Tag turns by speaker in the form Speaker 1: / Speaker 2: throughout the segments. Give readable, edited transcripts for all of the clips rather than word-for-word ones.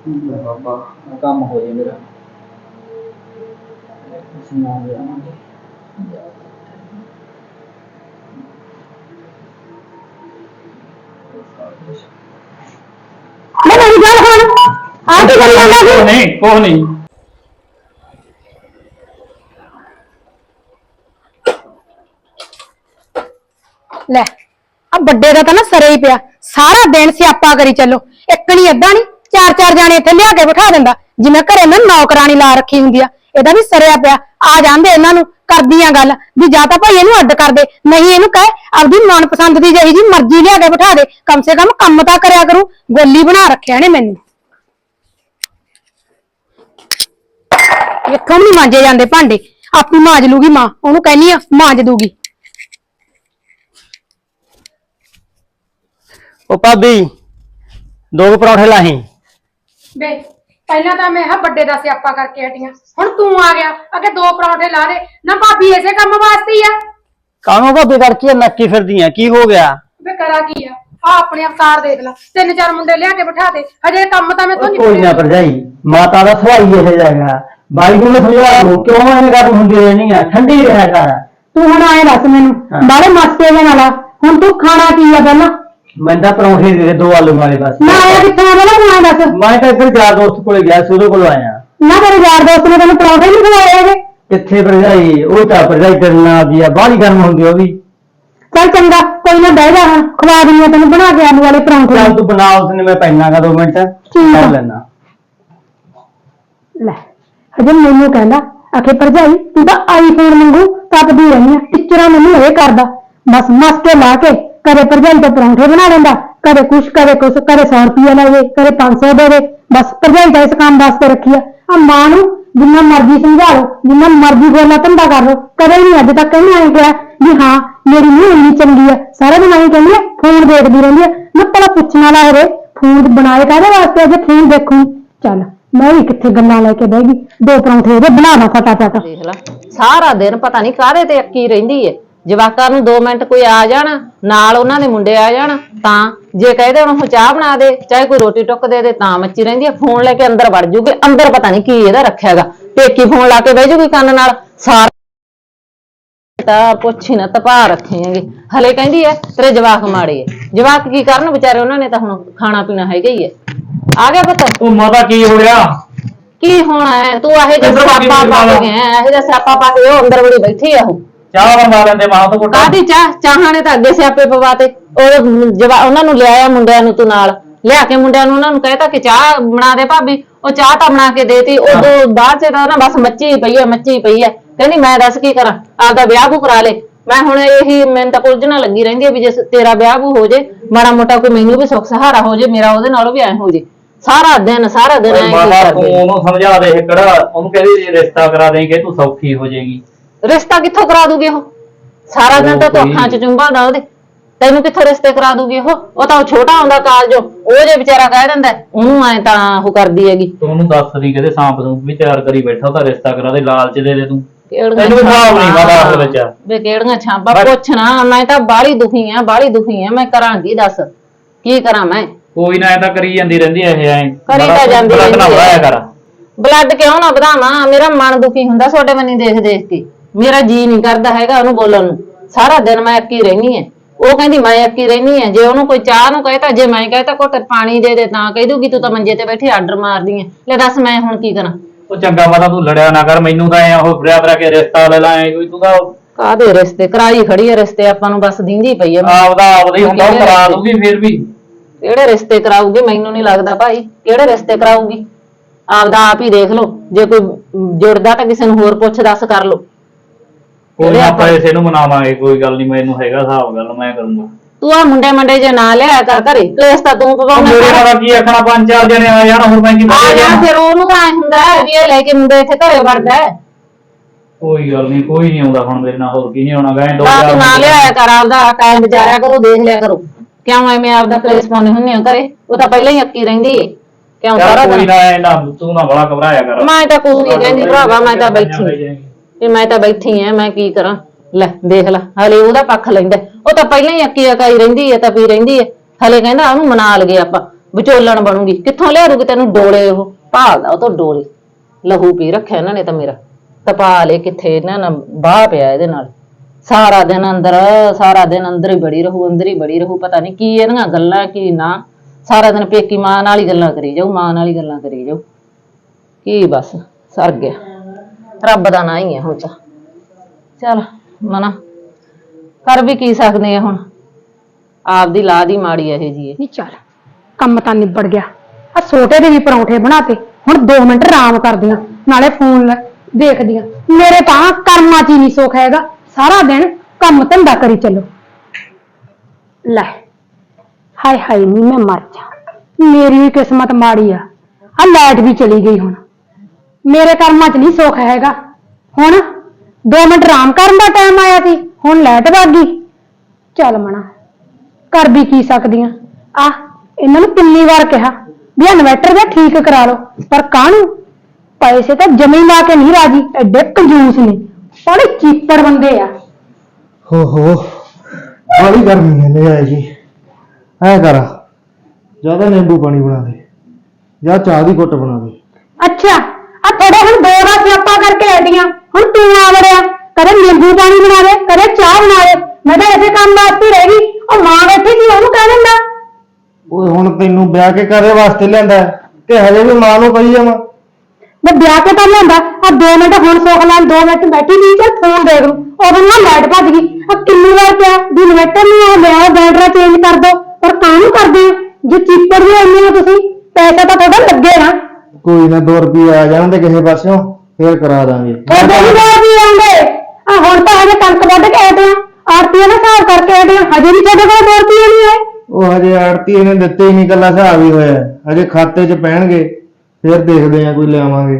Speaker 1: बाबा काम हो जाए मेरा नहीं
Speaker 2: ਲੈ ਆ ਵੱਡੇ ਦਾ ਤਾਂ ਨਾ ਸਰੇ ਹੀ ਪਿਆ ਸਾਰਾ ਦਿਨ ਸਿਆਪਾ ਕਰੀ ਚੱਲੋ ਇੱਕ ਨਹੀਂ ਅੱਧਾ ਨਹੀਂ ਚਾਰ ਚਾਰ ਜਾਣੇ ਇੱਥੇ ਲਿਆ ਕੇ ਬਿਠਾ ਦਿੰਦਾ ਜਿਵੇਂ ਘਰੇ ਮੈਂ ਨੌਕਰਾਨੀ ਲਾ ਰੱਖੀ ਹੁੰਦੀ ਆ ਇਹਦਾ ਵੀ ਸਰਿਆ ਪਿਆ ਆ ਜਾਂਦੇ ਇਹਨਾਂ ਨੂੰ ਕਰਦੀਆਂ ਗੱਲ ਵੀ ਜਾਂ ਤਾਂ ਭਾਈ ਇਹਨੂੰ ਅੱਡ ਕਰ ਦੇ ਨਹੀਂ ਇਹਨੂੰ ਕਹੇ ਆਪਦੀ ਮਨਪਸੰਦ ਦੀ ਜਿਹੀ ਜੀ ਮਰਜ਼ੀ ਲਿਆ ਕੇ ਬਿਠਾ ਦੇ ਕਮ ਸੇ ਕਮ ਕੰਮ ਤਾਂ ਕਰਿਆ ਕਰੂ ਗੋਲੀ ਬਣਾ ਰੱਖਿਆ ਨੇ ਮੈਨੂੰ ਇੱਥੋਂ ਨਹੀਂ ਮਾਂਜੇ ਜਾਂਦੇ ਭਾਂਡੇ ਆਪੀ ਮਾਂਜ ਲੂਗੀ ਮਾਂ ਉਹਨੂੰ ਕਹਿੰਨੀ ਆ ਮਾਂਜ ਦੂਗੀ
Speaker 1: ओ भाभी दो परौठे लाही
Speaker 2: बे पहला तो मैं बड़े का स्यापा करके हटिया हुण तू आ गया अगे दो परौठे ला दे ना भाभी ऐसे काम वास्ते ही है
Speaker 1: कानों भाभी करके नक्की फिरदी है की हो गया
Speaker 2: बे करा की है आ अपने अवतार देख ला तीन चार मुंडे लिया के बिठा दे हजे काम तो मैं तो नहीं
Speaker 1: कोई ना भरजाई माता दा सवाई ऐसे जाएगा बाई को समझा लो क्यों ऐसे गल हुंदी रहनी है ठंडी रहा कर
Speaker 2: तू हुण आए दस मैनू बाले मस्ते जे नाला हुण तू खाना की है पहला
Speaker 1: मैं परौठे दे दो आलू वाले बस
Speaker 2: ना आया कित्थे आ पहला तू आए दस
Speaker 1: मैं तो इधर यार दोस्त को गया सूर्य को आया
Speaker 2: ना तेरे यार दोस्त ने तेन परौठे नहीं खवाए हैगे
Speaker 1: किथे भरजाई ओ ता भरजाई करना दिया बाहली गर्म होंदी ओ भी
Speaker 2: चल चंगा कोई ना बह जा हुण खवा दिंदी तेन बना के आलू वाले परौठे
Speaker 1: चल तू बना उसने मैं पहनागा 2 मिनट कर लेना
Speaker 2: ले हजे मैनू कहंदा आखे भरजाई तू तो आईफोन मंगू तपदी रहनी टिचरा मैनू ये करदा बस मस्के ला के कदे भरजाई तो परौंठे बना लेंदा कदे कुछ कदे 100 रुपया ले कदे 500 दे दे बस भरजाई का इस काम वास्ते रखी है मां नू जिन्ना मर्जी समझा लो जिन्ना मर्जी बोलना धंधा कर लो कदे नहीं अज तक कहीं आए गया भी हाँ मेरी नूं इन्नी चंगी है सारा दिन आई कहनी है फोन देखती रहती है मैं भला पुछना ला हो फोन बनाए काहदे वास्ते अज फोन देखूं चल मैं भी किथे गल्लां लेके बह गई दो परौंठे दे बनावा फटाफट
Speaker 3: देख ला सारा दिन पता नहीं काहदे ते अक्की रहिंदी है जवाकां नूं 2 मिनट कोई आ जाना नाल उन्हां दे मुंडे आ जाना तां जे कहदे हुण चाह बना दे चाहे कोई रोटी टुक दे तां मच्ची रहिंदी है फोन लेके अंदर वड़ जूगे अंदर पता नहीं की इहदा रखियागा पेकी फोन ला के बह जूगी कंन नाल सारा पुछ ही ना तपा रखे हैगे हले कहंदी है तेरे जवाक माड़े है जवाक की करन बेचारे उन्हां ने तां हुण खाना पीना हैगा ही है आ गया पुत्त
Speaker 1: ओ माता की हो गया
Speaker 3: की होना है तू आहे जे सापा पा के गया आहे जे सापा पा के अंदर बड़ी बैठी है
Speaker 1: ਚਾਹ बनवा लेंदे मां तो कोटा
Speaker 3: ਕਾਦੀ ਚਾਹਾਂ ਨੇ ਤਾਂ ਅੱਗੇ ਸਿਆਪੇ ਪਵਾਤੇ ਉਹ ਉਹਨਾਂ ਨੂੰ ਲਿਆਇਆ ਮੁੰਡਿਆਂ ਨੂੰ ਤੂੰ ਨਾਲ ਲਿਆ ਕੇ ਮੁੰਡਿਆਂ ਨੂੰ ਉਹਨਾਂ ਨੂੰ ਕਹਿਤਾ ਕਿ ਚਾਹ ਬਣਾ ਦੇ ਭਾਬੀ ਉਹ ਚਾਹ ਤਾਂ ਬਣਾ ਕੇ ਦੇਤੀ ਉਦੋਂ ਬਾਅਦ ਚ ਤਾਂ ਨਾ ਬਸ ਮੱਚੀ ਪਈ ਹੈ ਕਹਿੰਦੀ ਮੈਂ ਦੱਸ ਕੀ ਕਰਾਂ ਆਪਦਾ ਵਿਆਹ ਬੂ ਕਰਾ ਲੈ ਮੈਂ ਹੁਣ ਇਹੀ ਮੈਨੂੰ ਤਾਂ ਉਲਝਣਾ ਲੱਗੀ ਰਹਿੰਦੀ ਹੈ ਵੀ ਜੇ ਤੇਰਾ ਵਿਆਹ ਬੂ ਹੋ ਜੇ ਮਾੜਾ ਮੋਟਾ ਕੋਈ ਮੈਨੂੰ ਵੀ ਸੁੱਖ ਸਹਾਰਾ ਹੋ ਜੇ ਮੇਰਾ ਉਹਦੇ ਨਾਲੋਂ ਵੀ ਐ ਹੋ ਜੇ ਸਾਰਾ ਦਿਨ ਐ
Speaker 1: ਤੂੰ ਉਹਨੂੰ ਸਮਝਾ ਦੇ ਕਿਹੜਾ ਉਹਨੂੰ ਕਹਿੰਦੀ ਰਿਸ਼ਤਾ ਕਰਾ ਦੇਂਗੇ ਤੂੰ ਸੌਖੀ ਹੋ ਜਾਏਗੀ
Speaker 3: ਰਿਸ਼ਤਾ ਕਿੱਥੋਂ ਕਰਾ ਦੂਗੀ ਉਹ ਸਾਰਾ ਦਿਨ ਤਾਂ ਅੱਖਾਂ 'ਚ ਚੁੰਬਾਦਾ ਉਹਦੇ ਤੈਨੂੰ ਕਿੱਥੋਂ ਰਿਸ਼ਤੇ ਕਰਾ ਦੂਗੀ ਉਹ ਤਾਂ ਛੋਟਾ ਹੁੰਦਾ ਕਾਲਜੋ ਉਹ ਜੇ ਵਿਚਾਰਾ ਕਹਿ ਦਿੰਦਾ ਉਹਨੂੰ ਐ ਤਾਂ ਉਹ ਕਰਦੀ ਹੈਗੀ
Speaker 1: ਤੂੰ ਉਹਨੂੰ ਦੱਸ ਦੀ ਕਹਿੰਦੇ ਸਾਂਪ ਨੂੰ ਵੀ ਤਿਆਰ ਕਰੀ ਬੈਠਾ ਉਹਦਾ ਰਿਸ਼ਤਾ ਕਰਾ ਦੇ ਲਾਲਚ ਦੇ ਦੇ ਤੂੰ
Speaker 3: ਤੈਨੂੰ
Speaker 1: ਹਿਸਾਬ ਨਹੀਂ ਪਤਾ ਉਸ ਵਿੱਚ
Speaker 3: ਵੇ ਕਿਹੜੀਆਂ ਛਾਂਪਾਂ ਪੁੱਛਣਾ ਮੈਂ ਤਾਂ ਬਾਹਲੀ ਦੁਖੀ ਆ ਮੈਂ ਕਰਾਂਗੀ ਦੱਸ ਕੀ ਕਰਾਂ ਮੈਂ
Speaker 1: ਕੋਈ ਨਾ ਐ ਤਾਂ ਕਰੀ ਜਾਂਦੀ ਰਹਿੰਦੀ ਐ
Speaker 3: ਕਰੀ ਤਾਂ ਜਾਂਦੀ
Speaker 1: ਰਹਿੰਦੀ
Speaker 3: ਬਲੱਡ ਕਿਉਂ ਨਾ ਵਧਾਵਾਂ ਮੇਰਾ ਮਨ ਦੁਖੀ ਹੁੰਦਾ ਤੁਹਾਡੇ ਬੰਨੀ ਦੇਖ ਕੇ ਮੇਰਾ ਜੀ ਨਹੀਂ ਕਰਦਾ ਹੈਗਾ ਉਹਨੂੰ ਬੋਲਣ ਨੂੰ ਸਾਰਾ ਦਿਨ ਮੈਂ ਅੱਕੀ ਰਹਿਣੀ ਹੈ ਉਹ ਕਹਿੰਦੀ ਮੈਂ ਅੱਕੀ ਰਹਿਣੀ ਹੈ ਜੇ ਉਹਨੂੰ ਕੋਈ ਚਾਹ ਨੂੰ ਕਹੇ ਤਾਂ ਜੇ ਮੈਂ ਕਹੇ ਤਾਂ ਘੁੱਟ ਪਾਣੀ ਦੇ ਦੇ ਤਾਂ ਕਹਿ ਦੂਗੀ ਤੂੰ ਤਾਂ ਮੰਜੇ ਤੇ ਬੈਠੀ ਆਰਡਰ ਮਾਰਦੀ ਹੈ ਲੈ ਦੱਸ ਮੈਂ ਹੁਣ ਕੀ ਕਰਾਂ
Speaker 1: ਉਹ ਚੰਗਾ ਪਤਾ ਤੂੰ ਲੜਿਆ ਨਾ ਕਰ ਮੈਨੂੰ ਤਾਂ ਐ ਉਹ ਫਰਿਆ ਕੇ ਰਿਸ਼ਤਾ ਲੈ ਲਾਏ ਕੋਈ ਤੂੰ ਤਾਂ
Speaker 3: ਕਾਹਦੇ ਰਿਸ਼ਤੇ ਕਰਾਈ ਖੜੀ ਹੈ ਰਿਸ਼ਤੇ ਆਪਾਂ ਨੂੰ ਬਸ ਦਿੰਦੀ ਪਈ ਹੈ
Speaker 1: ਆਪਦਾ ਹੀ ਹੁੰਦਾ ਉਹ ਕਰਾ ਦੂਗੀ ਫਿਰ ਵੀ
Speaker 3: ਕਿਹੜੇ ਰਿਸ਼ਤੇ ਕਰਾਊਗੀ ਮੈਨੂੰ ਨਹੀਂ ਲੱਗਦਾ ਭਾਈ ਕਿਹੜੇ ਰਿਸ਼ਤੇ ਕਰਾਊਗੀ ਆਪਦਾ ਆਪ ਹੀ ਦੇਖ ਲਓ ਜੇ ਕੋਈ ਜੁੜਦਾ ਤਾਂ ਕਿਸੇ ਨੂੰ ਹੋਰ ਪੁੱਛ ਦੱਸ ਕਰ ਲਓ
Speaker 1: ਕੋਈ ਆਪਾਂ ਇਸੇ ਨੂੰ ਮਨਾਵਾਂਗੇ ਕੋਈ ਗੱਲ ਨਹੀਂ ਮੈਨੂੰ ਹੈਗਾ ਹਿਸਾਬ ਗੱਲ ਮੈਂ ਕਰੂੰਗਾ
Speaker 3: ਤੂੰ ਆ ਮੁੰਡੇ ਜੇ ਨਾ ਲਿਆ ਕਰ ਘਰੇ ਕਲੇਸ਼ ਤਾਂ ਤੂੰ ਪਵਾਉਣਾ
Speaker 1: ਮੇਰੇ ਨਾਲ ਕੀ ਆਖਣਾ 5-4 ਜਣੇ ਆ ਜਾਣ ਹੋਰ ਮੈਂ ਕੀ
Speaker 3: ਆ ਜਾ ਫਿਰ ਉਹਨੂੰ ਤਾਂ ਹੁੰਦਾ ਵੀ ਇਹ ਲੈ ਕੇ ਮੁੰਡੇ ਇੱਥੇ ਘਰੇ ਵੜਦਾ
Speaker 1: ਕੋਈ ਗੱਲ ਨਹੀਂ ਕੋਈ ਨਹੀਂ ਆਉਂਦਾ ਹੁਣ ਮੇਰੇ ਨਾਲ ਹੋਰ ਕੀ ਨਹੀਂ ਆਉਣਾ ਗਏ
Speaker 3: ਤੂੰ ਨਾ ਲਿਆਇਆ ਕਰ ਆਪਦਾ ਕਾਇਮ ਵਿਚਾਰਿਆ ਕਰੋ ਦੇਖ ਲਿਆ ਕਰੋ ਕਿਉਂ ਐਵੇਂ ਆਪਦਾ ਕਲੇਸ਼ ਪਾਉਂਦੇ ਹੁੰਦੇ ਹੋ ਘਰੇ ਉਹ ਤਾਂ ਪਹਿਲਾਂ ਹੀ ਅੱਕੀ ਰਹਿੰਦੀ ਏ ਕਿਉਂ ਸਾਰਾ
Speaker 1: ਕੋਈ ਨਾ ਤੂੰ ਨਾ ਬੜਾ ਘਬਰਾਇਆ ਕਰ
Speaker 3: ਮੈਂ ਤਾਂ ਕੁਝ ਨਹੀਂ ਕਹਿੰਦੀ ਭਰਾਵਾ ਮੈਂ ਤਾਂ ਬੈਠੀ ਐ ਮੈਂ ਕੀ ਕਰਾਂ ਲੈ ਦੇਖ ਲੈ ਹਲੇ ਉਹਦਾ ਪੱਖ ਲੈਂਦਾ ਉਹ ਤਾਂ ਪਹਿਲਾਂ ਹੀ ਅੱਕੀ ਅਕਾਈ ਰਹਿੰਦੀ ਐ ਤਾਂ ਪੀ ਰਹਿੰਦੀ ਐ ਹਲੇ ਕਹਿੰਦਾ ਉਹਨੂੰ ਮਨਾ ਲਗੇ ਆਪਾਂ ਵਿਚੋਲਣ ਬਣੂਗੀ। ਕਿੱਥੋਂ ਲਿਆਰੂਗੀ ਤੈਨੂੰ ਡੋਲੇ? ਉਹ ਭਾਲਦਾ ਉਹ ਤੋਂ ਡੋਲੇ। ਲਹੂ ਪੀ ਰੱਖਿਆ ਇਹਨਾਂ ਨੇ ਤਾਂ ਮੇਰਾ। ਤਪਾ ਲੇ ਕਿੱਥੇ ਇਹਨਾਂ ਨਾਲ ਬਾਹ ਪਿਆ ਇਹਦੇ ਨਾਲ। ਸਾਰਾ ਦਿਨ ਅੰਦਰ ਹੀ ਬੜੀ ਰਹੂ, ਅੰਦਰ ਹੀ ਬੜੀ ਰਹੂ। ਪਤਾ ਨਹੀਂ ਕੀ ਇਹਦੀਆਂ ਗੱਲਾਂ ਕੀ ਨਾ। ਸਾਰਾ ਦਿਨ ਪੇਕੀ ਮਾਂ ਨਾਲ ਹੀ ਗੱਲਾਂ ਕਰੀ ਜਾਊ, ਮਾਂ ਨਾਲ ਹੀ ਗੱਲਾਂ ਕਰੀ ਜਾਊ। ਕੀ ਬਸ ਸਰ ਗਿਆ। ਰੱਬ ਦਾ ਨਾਂ ਹੀ ਹੈ ਹੁਣ ਤਾਂ। ਚੱਲ ਮਨਾ ਕਰ ਵੀ ਕੀ ਸਕਦੇ ਆ ਹੁਣ। ਆਪਦੀ ਲਾਦ ਹੀ ਮਾੜੀ ਇਹ ਜੀ।
Speaker 2: ਨਹੀਂ ਚੱਲ ਕੰਮ ਤਾਂ ਨਿਬੜ ਗਿਆ। ਆ ਛੋਟੇ ਦੇ ਵੀ ਪਰੌਂਠੇ ਬਣਾਤੇ। ਹੁਣ 2 ਮਿੰਟ ਆਰਾਮ ਕਰਦੀਆਂ, ਨਾਲੇ ਫੋਨ ਦੇਖਦੀਆਂ। ਮੇਰੇ ਤਾਂ ਕਰਮਾਂ 'ਚ ਹੀ ਨਹੀਂ ਸੁੱਖ ਹੈਗਾ। ਸਾਰਾ ਦਿਨ ਕੰਮ ਧੰਦਾ ਕਰੀ ਚੱਲੋ। ਲੈ ਹਾਏ ਹਾਏ ਨੀ ਮੈਂ ਮਰ ਜਾ। ਮੇਰੀ ਵੀ ਕਿਸਮਤ ਮਾੜੀ ਆ ਲਾਈਟ ਵੀ ਚਲੀ ਗਈ। ਹੁਣ ਮੇਰੇ ਕਰਮਾਂ 'ਚ ਨਹੀਂ ਸੁੱਖ ਹੈਗਾ। ਹੁਣ 2 ਮਿੰਟ ਆਰਾਮ ਕਰਨ ਦਾ ਟਾਈਮ ਆਇਆ ਸੀ, ਹੁਣ ਲਾਈਟ ਭੱਜ ਗਈ। ਚੱਲ ਮਣਾ ਕਰ ਵੀ ਕੀ ਸਕਦੀਆਂ। ਇਹਨਾਂ ਨੂੰ ਕਿੰਨੀ ਵਾਰ ਕਿਹਾ ਵੀ ਇਨਵਰਟਰ ਦਾ ਠੀਕ ਕਰਾ ਲਓ, ਪਰ ਕਾਹਨੂੰ? ਪੈਸੇ ਤਾਂ ਜਮੀ ਲਾ ਕੇ ਨਹੀਂ ਰਾਜੀ। ਐਡੇ ਕੰਜੂਸ ਨੇ, ਬੜੇ ਚੀਪੜ ਬੰਦੇ ਆ।
Speaker 4: ਹੋ ਬੜੀ ਗਰਮੀ ਹੈ ਲੈ ਆਏ ਜੀ। ਐ ਕਰ ਜਿਆਦਾ ਨਿੰਬੂ ਪਾਣੀ ਬਣਾ ਦੇ ਜਾਂ ਚਾਹ ਦੀ ਘੁੱਟ ਬਣਾ ਦੇ।
Speaker 2: ਅੱਛਾ ਥੋੜੇ ਹੁਣ 2 ਦਾ ਸਿਆਪਾ ਕਰਕੇ ਹਟੀਆਂ। ਹੁਣ ਤੂੰ ਆ ਵੜਿਆ, ਕਦੇ ਨਿੰਬੂ ਪਾਣੀ ਬਣਾ ਦੇ, ਕਦੇ ਚਾਹ ਬਣਾ ਦੇ। ਮੈਂ ਤਾਂ ਇਸੇ ਕੰਮ ਵਾਸਤੇ ਰਹਿ ਗਈ। ਉਹ ਮਾਂ ਬੈਠੀ ਸੀ, ਉਹਨੂੰ ਕਹਿ ਦਿੰਦਾ।
Speaker 4: ਓਏ ਹੁਣ ਤੈਨੂੰ ਵਿਆਹ ਕੇ ਕਾਹਦੇ ਵਾਸਤੇ ਲਿਆਂਦਾ ਤੇ ਹਜੇ ਵੀ ਮਾਂ ਨੂੰ ਕਹੀ ਜਾਵਾਂ?
Speaker 2: ਮੈਂ ਵਿਆਹ ਕੇ ਤਾਂ ਲਿਆਂਦਾ। 2 ਮਿੰਟ ਹੁਣ ਸੁੱਖ ਲੈਣ, 2 ਮਿੰਟ ਬੈਠੀ ਨਹੀਂ ਚੱਲ ਫੋਨ ਦੇਖ ਲੂ। ਉਦੋਂ ਨਾ ਲਾਈਟ ਭੱਜ ਗਈ। ਕਿੰਨੀ ਵਾਰ ਕਿਹਾ ਵੀ ਇਨਵਰਟਰ ਨਹੀਂ ਆ, ਲਿਆਓ ਬੈਟਰਾ ਚੇਂਜ ਕਰ ਦੋ, ਪਰ ਕਾਹਨੂੰ ਕਰਦੇ ਆ? ਜੇ ਚੀਪੜ ਵੀ ਆਉਂਦੇ ਹੋ ਤੁਸੀਂ, ਪੈਸਾ ਤਾਂ ਤੁਹਾਡਾ ਲੱਗੇ ਨਾ।
Speaker 4: ਕੋਈ ਨਾ 2 ਰੁਪਏ ਆ ਜਾਣਗੇ ਕਿਸੇ ਪਾਸਿਓਂ, ਫੇਰ ਕਰਾ ਦਾਂਗੇ।
Speaker 2: ਤੁਹਾਡੇ ਵੀ 2 ਰੁਪਏ ਆਉਂਦੇ। ਹੁਣ ਤਾਂ ਹਜੇ ਕਣਕ ਵੱਢ ਕੇ ਆਏ ਆ, ਆਰਤੀਆਂ ਦਾ ਹਿਸਾਬ ਕਰਕੇ ਆਏ ਆ। ਹਜੇ ਵੀ ਤੁਹਾਡੇ ਕੋਲ 2 ਰੁਪਏ ਨਹੀਂ ਆਏ।
Speaker 4: ਉਹ ਹਜੇ ਆੜਤੀ ਇਹਨੇ ਦਿੱਤੇ ਹੀ ਨਹੀਂ, ਕੱਲਾ ਹਿਸਾਬ ਹੀ ਹੋਇਆ। ਹਜੇ ਖਾਤੇ 'ਚ ਪੈਣਗੇ, ਫੇਰ ਦੇਖਦੇ ਆ ਕੋਈ ਲਿਆਵਾਂਗੇ।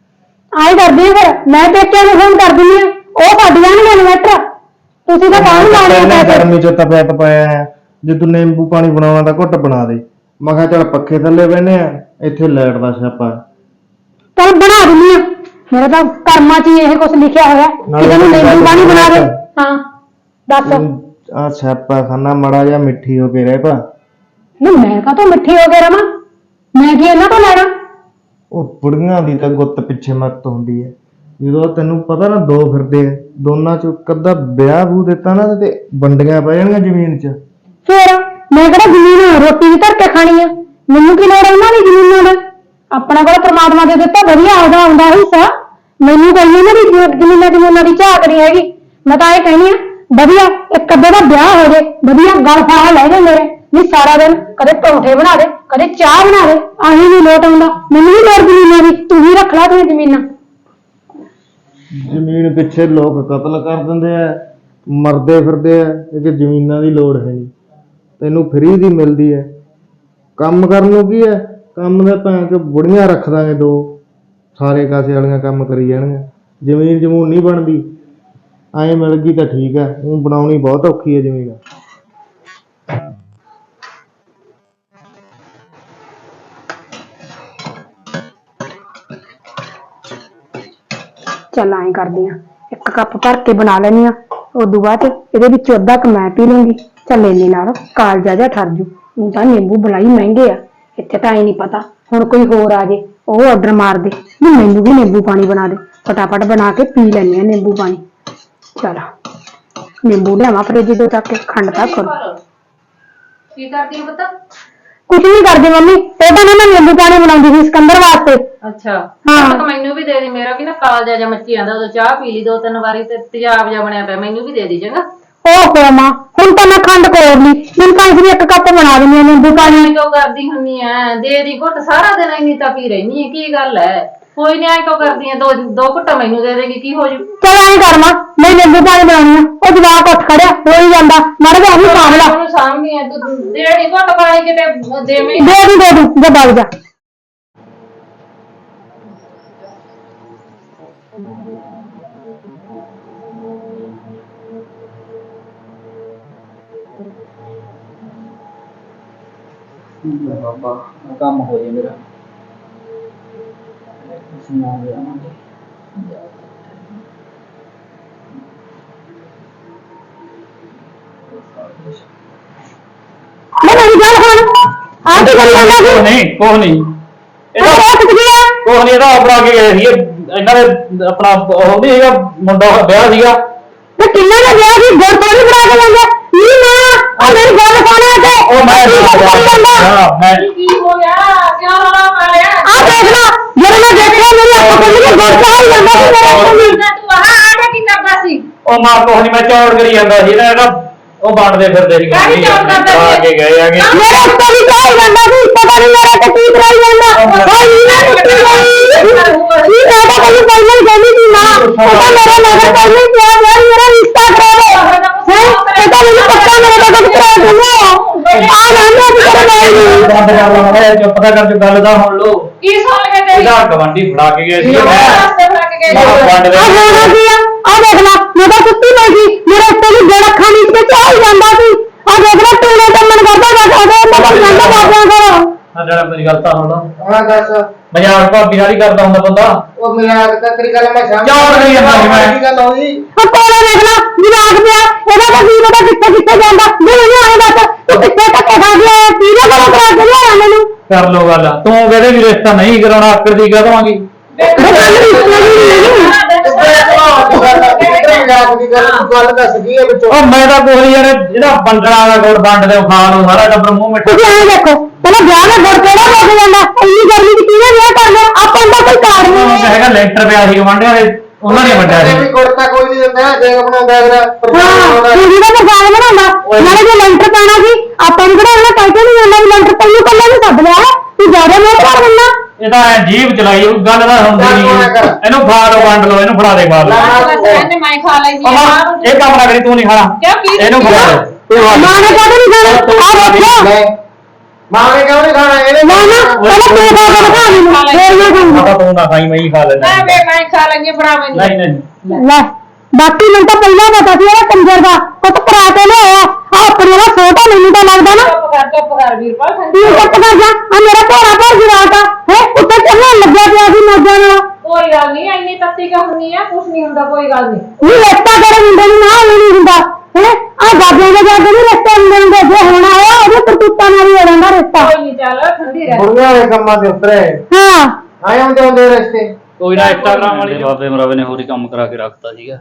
Speaker 2: ਆਏ ਕਰਦੀ ਆ ਫਿਰ ਮੈਂ ਪੇਕਿਆਂ ਨੂੰ ਫੋਨ ਕਰ ਦਿੰਦੀ ਆ, ਉਹ ਕੱਢ ਜਾਣਗੇ ਇਨਵਰਟਰ। ਤੁਸੀਂ ਤਾਂ ਕਾਹਨੂੰ ਲਾਉਣੇ ਆ ਪੈਸੇ?
Speaker 4: ਗਰਮੀ 'ਚ ਤਪਿਆ ਤਪਾਇਆ ਹੈ। ਜੇ ਤੂੰ ਨਿੰਬੂ ਪਾਣੀ ਬਣਾਉਣਾ ਤਾਂ ਘੁੱਟ ਬਣਾ ਦੇ। ਮੈਂ ਕਿਹਾ ਚੱਲ ਪੱਖੇ ਥੱਲੇ ਬਹਿਨੇ ਆ, ਇੱਥੇ ਲਾਈਟ ਦਾ ਸਿਆਪਾ।
Speaker 2: ਚੱਲ ਬਣਾ ਦਿੰਦੀ ਆ। ਮੇਰਾ ਤਾਂ ਕਰਮਾਂ 'ਚ ਹੀ ਇਹ ਕੁਝ ਲਿਖਿਆ ਹੋਇਆ ਕਿ ਤੈਨੂੰ ਨਿੰਬੂ ਪਾਣੀ ਬਣਾ ਦੇ। ਹਾਂ ਦੱਸ।
Speaker 4: ਆ ਸਿਆਪਾ ਖਾਨਾ ਮੜਾ ਜਿਹਾ ਮਿੱਠੀ ਹੋ ਕੇ ਰਹਿ ਪਾ।
Speaker 2: ਨਹੀਂ ਮੈਂ ਕਾਹਤੋਂ ਮਿੱਠੀ ਹੋ ਕੇ ਰਵਾਂ? ਮੈਂ ਕੀ ਇਹਨਾਂ ਤੋਂ ਲੈਣਾ?
Speaker 4: ਉਹ ਬੁੜੀਆਂ ਦੀ ਤਾਂ ਗੁੱਤ ਪਿੱਛੇ ਮੱਤ ਹੁੰਦੀ ਹੈ। ਜਦੋਂ ਤੈਨੂੰ ਪਤਾ ਨਾ 2 ਫਿਰਦੇ ਆ, ਦੋਨਾਂ 'ਚ ਅੱਧਾ ਵਿਆਹ ਬੂ ਦਿੱਤਾ ਨਾ ਤੇ ਵੰਡੀਆਂ ਪੈ ਜਾਣਗੀਆਂ ਜ਼ਮੀਨ 'ਚ।
Speaker 2: ਫਿਰ ਮੈਂ ਕਿਹੜਾ ਜ਼ਮੀਨ ਰੋਟੀ ਵੀ ਧਰ ਕੇ ਖਾਣੀ ਆ? ਮੈਨੂੰ ਕੀ ਲੋੜ ਉਹਨਾਂ ਦੀ ਜ਼ਮੀਨਾਂ ਦਾ? ਆਪਣਾ ਕੋਲ ਪ੍ਰਮਾਤਮਾ ਦੇ ਦਿੱਤਾ ਵਧੀਆ ਆਉਂਦਾ ਹਿੱਸਾ। ਮੈਨੂੰ ਕੋਈ ਇਹਨਾਂ ਦੀ ਜ਼ਮੀਨਾਂ ਦੀ ਝਾਕ ਨਹੀਂ ਹੈਗੀ। ਮੈਂ ਤਾਂ ਇਹ ਕਹਿੰਦੀ ਆ ਵਧੀਆ ਇੱਕ ਅੱਧੇ ਦਾ ਵਿਆਹ ਹੋ ਜੇ, ਵਧੀਆ ਗਲ ਫਾਹਾ ਲੈ ਜਾ ਮੇਰੇ। ਨਹੀਂ ਸਾਰਾ ਦਿਨ ਕਦੇ ਪਰੌਂਠੇ ਬਣਾ ਦੇ, ਕਦੇ ਚਾਹ ਬਣਾ ਦੇ, ਆਹੀ ਨਹੀਂ ਲੋਟ ਆਉਂਦਾ। ਮੈਨੂੰ ਵੀ ਲੋੜ ਜ਼ਮੀਨਾਂ ਦੀ, ਤੂੰ ਵੀ ਰੱਖ ਲਾ ਤੂੰ ਜ਼ਮੀਨਾਂ।
Speaker 4: ਜ਼ਮੀਨ ਪਿੱਛੇ ਲੋਕ ਕਤਲ ਕਰ ਦਿੰਦੇ ਆ, ਮਰਦੇ ਫਿਰਦੇ ਆ। ਕਿ ਜ਼ਮੀਨਾਂ ਦੀ ਲੋੜ ਹੈ ਨਹੀਂ, ਤੈਨੂੰ ਫਰੀ ਦੀ ਮਿਲਦੀ ਹੈ। ਕੰਮ ਕਰਨ ਨੂੰ ਕੀ ਹੈ? ਕੰਮ ਦੇ ਭਾਂ ਕਿ ਬੁੜੀਆਂ ਰੱਖ ਦਾਂਗੇ 2, ਸਾਰੇ ਕਾਸੇ ਵਾਲੀਆਂ ਕੰਮ ਕਰੀ ਜਾਣਗੀਆਂ। ਜ਼ਮੀਨ ਜਮੂਨ ਨਹੀਂ ਬਣਦੀ। ਐਂ ਮਿਲ ਗਈ ਤਾਂ ਠੀਕ ਹੈ, ਉਹ ਬਣਾਉਣੀ ਬਹੁਤ ਔਖੀ ਹੈ ਜ਼ਮੀਨ।
Speaker 2: ਚੱਲ ਐਂ ਕਰਦੀ ਆ, 1 ਕੱਪ ਭਰ ਕੇ ਬਣਾ ਲੈਣੀ ਆ। ਉਦੋਂ ਬਾਅਦ ਇਹਦੇ ਵਿੱਚ ਅੱਧਾ ਕੁ ਮੈਂ ਪੀ ਲੂੰਗੀ। ਚੱਲ ਇੰਨੇ ਨਾਲ ਕਾਲਜਾ ਜਿਹਾ ਠਰ ਜੂ। ਹੁਣ ਤਾਂ ਨਿੰਬੂ ਬਲਾਈ ਮਹਿੰਗੇ ਆ ਇੱਥੇ, ਤਾਂ ਐ ਨਹੀਂ ਪਤਾ ਹੁਣ ਕੋਈ ਹੋਰ ਆ ਜੇ ਉਹ ਆਰਡਰ ਮਾਰ ਦੇ ਵੀ ਮੈਨੂੰ ਵੀ ਨਿੰਬੂ ਪਾਣੀ ਬਣਾ ਦੇ। ਫਟਾਫਟ ਬਣਾ ਕੇ ਪੀ ਲੈਂਦੇ ਆ ਨਿੰਬੂ ਪਾਣੀ। ਚਲ ਨਿੰਬੂ ਲਿਆਵਾਂ ਫਰਿੱਜ ਤੋਂ ਚੱਕ ਕੇ, ਖੰਡ ਤਾਂ ਕਰੋ।
Speaker 3: ਕੀ ਕਰਦੀ ਪੁੱਤ?
Speaker 2: ਕੁਝ ਨਹੀਂ ਕਰਦੀ ਮੰਮੀ, ਉਹਦਾ ਨਾ ਮੈਂ ਨਿੰਬੂ ਪਾਣੀ ਬਣਾਉਂਦੀ ਸੀ ਸਿਕੰਦਰ ਵਾਸਤੇ।
Speaker 3: ਅੱਛਾ
Speaker 2: ਹਾਂ।
Speaker 3: ਤਾਂ ਮੈਨੂੰ ਵੀ ਦੇ ਦੇ। ਮੇਰਾ ਵੀ ਨਾ ਕਾਲਜਾ ਜਾਂ ਮੱਚੀ ਜਾਂਦਾ। ਉਦੋਂ ਚਾਹ ਪੀ ਲਈ 2-3 ਵਾਰੀ ਤੇ ਤੇਜ਼ਾਬ ਜਿਹਾ ਬਣਿਆ ਪਿਆ। ਮੈਨੂੰ ਵੀ ਦੇ ਦੀ ਚੰਗਾ।
Speaker 2: ਓਹੋ ਮਾਂ, ਹੁਣ ਤਾਂ ਮੈਂ ਖੰਡ ਕੋਰ ਲਈ। ਮੈਨੂੰ ਤਾਂ ਇਸ 1 ਕੱਪ ਬਣਾ ਦਿੰਦੀ ਆ ਨਿੰਬੂ ਪਾਣੀ।
Speaker 3: ਕਿਉਂ ਕਰਦੀ ਹੁੰਨੀ ਆ? ਦੇ ਦੀ ਘੁੱਟ। ਸਾਰਾ ਦਿਨ ਇੰਨੀ ਤਪੀ ਰਹਿਨੀ ਹੈ, ਕੀ ਗੱਲ ਹੈ? ਕੋਈ ਨਹੀਂ, ਐ ਕਿਉਂ ਕਰਦੀ ਆ? 2 ਘੁੱਟਾਂ ਮੈਨੂੰ ਦੇ ਦੇਗੀ, ਕੀ ਹੋ ਜੂ?
Speaker 2: ਚਲ ਐਂ ਕਰ ਮਾਂ, ਮੈਂ ਨਿੰਬੂ ਪਾਣੀ ਬਣਾਉਣੀ ਆ। ਉਹ ਜਵਾਕ ਉੱਠ ਖੜਿਆ ਹੋ ਹੀ ਜਾਂਦਾ, ਮਰ ਗਿਆ ਉਹਨੂੰ ਸਾਂਭ ਲਾ।
Speaker 3: ਉਹਨੂੰ ਸਾਂਭਦੀ ਆ ਤੂੰ। ਦੇ ਦੀ ਘੁੱਟ ਪਾਣੀ ਕਿਤੇ ਦੇਵੇਂ।
Speaker 2: ਦੇ ਦੂੰ ਜੇ ਬਗ ਜਾ।
Speaker 1: ਬਾਬਾ ਕੰਮ ਹੋ ਜੇ ਮੇਰਾ। ਸੁਣਾ ਗਿਆ
Speaker 2: ਮੈਂ ਨਹੀਂ ਗੱਲ ਹੁਣ ਆ ਕੀ ਕਰੀ ਜਾਂਦਾ ਸੀ
Speaker 5: ਕੁਛ ਨਹੀਂ ਇਹਦਾ
Speaker 2: ਰੋਕ ਗਿਆ
Speaker 5: ਕੁਛ ਨਹੀਂ, ਇਹਦਾ ਆਪਣਾ ਕੇ ਗਏ ਸੀ ਇਹਨਾਂ ਦੇ ਆਪਣਾ ਉਹ ਨਹੀਂ ਹੈਗਾ ਮੁੰਡਾ ਵਿਆਹ ਸੀਗਾ।
Speaker 2: ਤੇ ਕਿੰਨਾ ਦਾ ਵਿਆਹ ਸੀ ਗੁੜ ਥੋੜੀ ਬਣਾ ਕੇ ਲੈਂਦਾ ਨਹੀਂ ਨਾ ਆ ਮੇਰੀ ਗੱਲ ਸੁਣਾ ਤੇ
Speaker 5: ਉਹ ਮੈਂ ਮੈਂ
Speaker 3: ਕੀ ਹੋ ਗਿਆ ਕਿਉਂ ਰੌਲਾ ਪਾਇਆ
Speaker 2: ਆ ਦੇਖ ਲਾ ਜਦੋਂ ਮੈਂ ਦੇਖਿਆ ਮੇਰੀ ਅੱਖ ਖੁੱਲ ਗਈ ਗੁੜ ਚਾਹ ਹੀ ਜਾਂਦਾ ਸੀ ਮੇਰੇ ਕੋਲ
Speaker 3: ਤੂੰ ਆਹ ਕੀ ਕਰਦਾ ਸੀ
Speaker 5: ਉਹ ਮਾਂ ਕੁਛ ਨਹੀਂ, ਮੈਂ ਚੌੜ ਕਰੀ ਜਾਂਦਾ ਸੀ ਨਾ ਉਹ ਬਾਣਦੇ ਫਿਰਦੇ ਸੀ
Speaker 3: ਕਾਹਦੀ ਚੌੜ ਕਰਦਾ ਸੀ?
Speaker 5: ਆ ਕੇ ਗਏ ਆਗੇ
Speaker 2: ਮੇਰੇ ਉੱਤੇ ਵੀ ਚਾਹ ਹੀ ਜਾਂਦਾ ਸੀ ਪਤਾ ਨਹੀਂ ਮੇਰਾ ਤੇ ਕੀ ਕਰਾਈ ਜਾਂਦਾ ਹਾਏ ਇਹ ਟੁੱਟੀ ਗਈ ਇਹ ਮੈਂ ਤਾਂ ਕੋਈ ਪਹਿਲਾਂ ਹੀ ਕਹਿੰਦੀ ਸੀ ਨਾ ਪਤਾ ਮੇਰਾ ਨਜ਼ਰ ਪਹਿਲਾਂ ਹੀ ਪਿਆ ਯਾਰ ਮੇਰਾ ਰਿਸ਼ਤਾ ਕਰਾਓ ਹੈ ਇਹ ਤਾਂ ਮੈਨੂੰ ਪੱਕਾ ਮੇਰੇ ਦਾ ਕੁਝ ਕਰਾ ਦਿੰਦਾ ਆ ਨਾ ਮੈਂ ਵੀ ਕਰਾਈ
Speaker 5: ਬੰਦ ਕਰ ਲਾ ਮੈਂ ਚੁੱਪ ਤਾਂ ਕਰ ਜੋ ਗੱਲ ਦਾ ਹੁਣ ਲੋ
Speaker 3: ਕੀ ਸੁਣ ਕੇ ਤੇਰੀ
Speaker 5: ਇਹਦਾ ਗਵਾਂਢੀ ਫੜਾ ਕੇ ਗਏ ਸੀ ਮੈਂ
Speaker 3: ਰਸਤੇ ਫੜਾ ਕੇ ਗਏ
Speaker 5: ਵੰਡ
Speaker 2: ਆ ਹੋਣਾ ਕੀ ਆ ਦੇਖ ਲਾ ਮੈਂ ਤਾਂ ਸੁੱਤੀ ਪਈ ਸੀ ਮੇਰੇ ਉੱਤੇ ਵੀ ਗੇੜ ਅੱਖਾਂ ਨੀਚ ਕੇ ਚਾਹ ਹੀ ਜਾਂਦਾ ਸੀ ਆ ਦੇਖ ਲਾ ਟੂਣੇ ਤੇ ਮਨ ਕਰਦਾ ਬੈਠਾ ਉਹਦੇ ਮੈਂ ਜਾਂਦਾ ਬਾਬਿਆਂ ਕੋਲ
Speaker 5: ਆ ਜਿਹੜਾ ਮੇਰੀ ਗੱਲ ਤਾਂ ਹੁਣ
Speaker 4: ਹਾਂ ਦੱਸ
Speaker 5: ਮਜ਼ਾਕ ਭਾਬੀ ਨਾਲ ਹੀ ਕਰਦਾ ਹੁੰਦਾ ਬੰਦਾ।
Speaker 4: ਉਹ ਮਜ਼ਾਕ ਤਾਂ ਤੇਰੀ ਗੱਲ ਮੈਂ ਸਮਝ
Speaker 5: ਚੌੜ ਕਰੀ ਜਾਂਦਾ ਸੀ ਮੈਂ।
Speaker 4: ਕੀ ਗੱਲ ਹੋਈ
Speaker 2: ਆ ਕੋਲੇ ਦੇਖ ਲਾ ਜਵਾਕ ਪਿਆ ਇਹਦਾ ਤਾਂ ਕੀ ਪਤਾ ਕਿੱਥੇ ਕਿੱਥੇ ਜਾਂਦਾ ਜੇ ਨਹੀਂ ਆਏ ਦੱਸ ਤੂੰ ਕਿੱਥੇ ਧੱਕੇ ਖਾ ਗਿਆ ਕਿਹਦੇ ਕੋਲ ਕਰਾ ਕੇ ਲਿਆਇਆ ਮੈਨੂੰ
Speaker 5: ਕਰ ਲੋ ਗੱਲ, ਤੂੰ ਕਹਿੰਦੇ ਵੀ ਰਿਸ਼ਤਾ ਨਹੀਂ ਕਰਾਉਣਾ ਆਕੜ ਦੀ ਕਹਿ ਦਵਾਂਗੀ।
Speaker 4: ਗੱਲ ਦੱਸ ਕੀ ਹੈ ਵਿੱਚੋਂ
Speaker 5: ਉਹ ਮੈਂ ਤਾਂ ਕੋਈ ਯਾਰ ਜਿਹੜਾ ਵੰਡਣਾ ਦਾ ਗੁੜ ਵੰਡ ਦੇ ਖਾ ਲੋ ਸਾਰਾ ਟੱਬਰ ਮੂੰਹ ਮਿੱਠਾ।
Speaker 2: ਤੁਸੀਂ ਐਂ ਦੇਖੋ ਪਹਿਲਾਂ ਵਿਆਹ ਦਾ ਗੁੜ ਕਿਹੜਾ ਲੈ ਕੇ ਜਾਂਦਾ ਇੰਨੀ ਗਰਮੀ ਚ ਕਿਹਨੇ ਵਿਆਹ ਕਰਨਾ ਆਪਾਂ ਦਾ ਕੋਈ ਕਾਰਨ
Speaker 5: ਉਹ
Speaker 2: ਨਹੀਂ
Speaker 5: ਤਾਂ ਹੈਗਾ ਲੈਂਟਰ ਪਿਆ ਸੀ ਗਵਾਂਢੀਆਂ ਦੇ, ਉਹਨਾਂ ਨੇ ਵੰਡਿਆ
Speaker 4: ਵੀ
Speaker 5: ਸੀ।
Speaker 4: ਗੁੜਤਾ ਕੋਈ ਨਹੀਂ ਦਿੰਦਾ ਦੇਖ ਬਣਾਉਂਦਾ ਅਗਲਾ
Speaker 2: ਹਾਂ ਤੁਸੀਂ ਦਾ ਮਸਾਲਾ ਬਣਾਉਂਦਾ ਨਾਲੇ ਜੇ ਲੈਂਟਰ ਪਾਣਾ ਸੀ ਆਪਾਂ ਨੂੰ ਕਿਹੜਾ ਉਹਨਾਂ ਕਹਿ ਕੇ ਨਹੀਂ ਜਾਂਦਾ ਵੀ ਲੈਂਟਰ ਤੈਨੂੰ ਕੱਲੇ ਨੂੰ ਸੱਦ ਲਿਆ ਤੂੰ ਜ਼ਿਆਦਾ ਮਿਹਨਤ ਕਰ ਦਿੰਦਾ
Speaker 5: ਇਹ ਤਾਂ ਜੀਭ ਚਲਾਈ ਉਹ ਗੱਲ ਦਾ ਹੁੰਦੀ ਨਹੀਂ। ਇਹਨੂੰ ਖਾ ਲੋ ਵੰਡ ਲੋ, ਇਹਨੂੰ ਫੜਾ ਦੇ ਖਾ ਲੋ।
Speaker 3: ਮੈਂ ਖਾ ਲਈ ਜੀ
Speaker 5: ਇਹ ਕੰਮ ਨਾ ਕਰੀ, ਤੂੰ ਨਹੀਂ ਖਾਣਾ,
Speaker 3: ਕਿਉਂ ਕੀ
Speaker 5: ਇਹਨੂੰ ਖਾ ਲੈ ਤੂੰ ਖਾ ਲੈ।
Speaker 2: ਮਾਂ ਨੇ ਕਾਹਦੇ ਨਹੀਂ ਖਾਣਾ ਆ ਦੇਖੋ
Speaker 4: ਮਾਂ ਨੇ ਕਿਉਂ ਨਹੀਂ ਖਾਣਾ ਇਹਨੇ
Speaker 2: ਨਾ ਨਾ ਪਹਿਲਾਂ ਤੂੰ ਖਾ ਕੇ ਦਿਖਾ ਮੈਨੂੰ ਫੇਰ ਮੈਂ ਖਾਊਂਗਾ
Speaker 5: ਮਾਤਾ ਤੂੰ ਨਾ ਖਾਈ, ਮੈਂ ਹੀ ਖਾ ਲੈਣਾ।
Speaker 3: ਮੈਂ ਖਾ ਲੈਂਗੀ ਫੜਾ ਮੈਨੂੰ
Speaker 5: ਨਹੀਂ ਨਹੀਂ
Speaker 2: ਲੈ ਬਾਕੀ ਮੈਨੂੰ ਤਾਂ ਪਹਿਲਾਂ ਪਤਾ ਸੀ ਇਹ ਕੰਜਰ ਦਾ ਕੁਝ ਕਰਾ ਕੇ ਲਿਆਇਆ ਆ ਆਪਣੇ ਦਾ ਛੋਟਾ ਮੈਨੂੰ ਤਾਂ ਲੱਗਦਾ ਨਾ
Speaker 3: ਚੁੱਪ ਕਰ ਵੀਰਪਾਲ
Speaker 2: ਤੂੰ ਚੁੱਪ ਕਰ ਜਾ ਆ ਮੇਰਾ ਘੋੜਾ ਭਰ ਜਵਾਕ ਆ ਹੈ ਉੱਤੇ ਚੱਲਣ ਲੱਗਿਆ ਪਿਆ ਸੀ ਮੌਜਾਂ ਨਾਲ
Speaker 3: ਕੋਈ ਗੱਲ ਨਹੀਂ ਇੰਨੀ ਤੱਤੀ ਕਿਉਂ ਹੁੰਦੀ ਆ ਕੁਛ ਨਹੀਂ ਹੁੰਦਾ ਕੋਈ ਗੱਲ ਨਹੀਂ
Speaker 2: ਇਹ ਰਸਤਾ ਕਰੇ ਮੁੰਡੇ ਨੂੰ ਨਾ ਨਹੀਂ ਹੁੰਦਾ ਹੈ ਆ ਬਾਬਿਆਂ ਦੇ ਜਾਂਦੇ ਨਹੀਂ ਰਸਤੇ ਹੁੰਦੇ ਜੇ ਹੋਣਾ ਹੋਇਆ ਉਹਦੇ ਕਰਤੂਤਾਂ ਨਾਲ ਹੀ ਹੋ ਜਾਂਦਾ ਰਸਤਾ
Speaker 3: ਕੋਈ ਨਹੀਂ ਚੱਲ ਠੰਡੀ ਰਹਿ
Speaker 4: ਬੁੜੀਆਂ ਦੇ ਕੰਮਾਂ ਦੇ ਉਤਰੇ
Speaker 2: ਹਾਂ
Speaker 4: ਆਏ ਹੁੰਦੇ ਹੁੰਦੇ ਰਸਤੇ
Speaker 5: ਕੋਈ ਨਾ ਇੰਸਟਾਗ੍ਰਾਮ ਵਾਲੀ ਬਾਬੇ ਮਰਾਵੇ ਨੇ ਹੋਰ ਹੀ ਕੰਮ ਕਰਾ ਕੇ ਰੱਖਤਾ ਸੀਗਾ।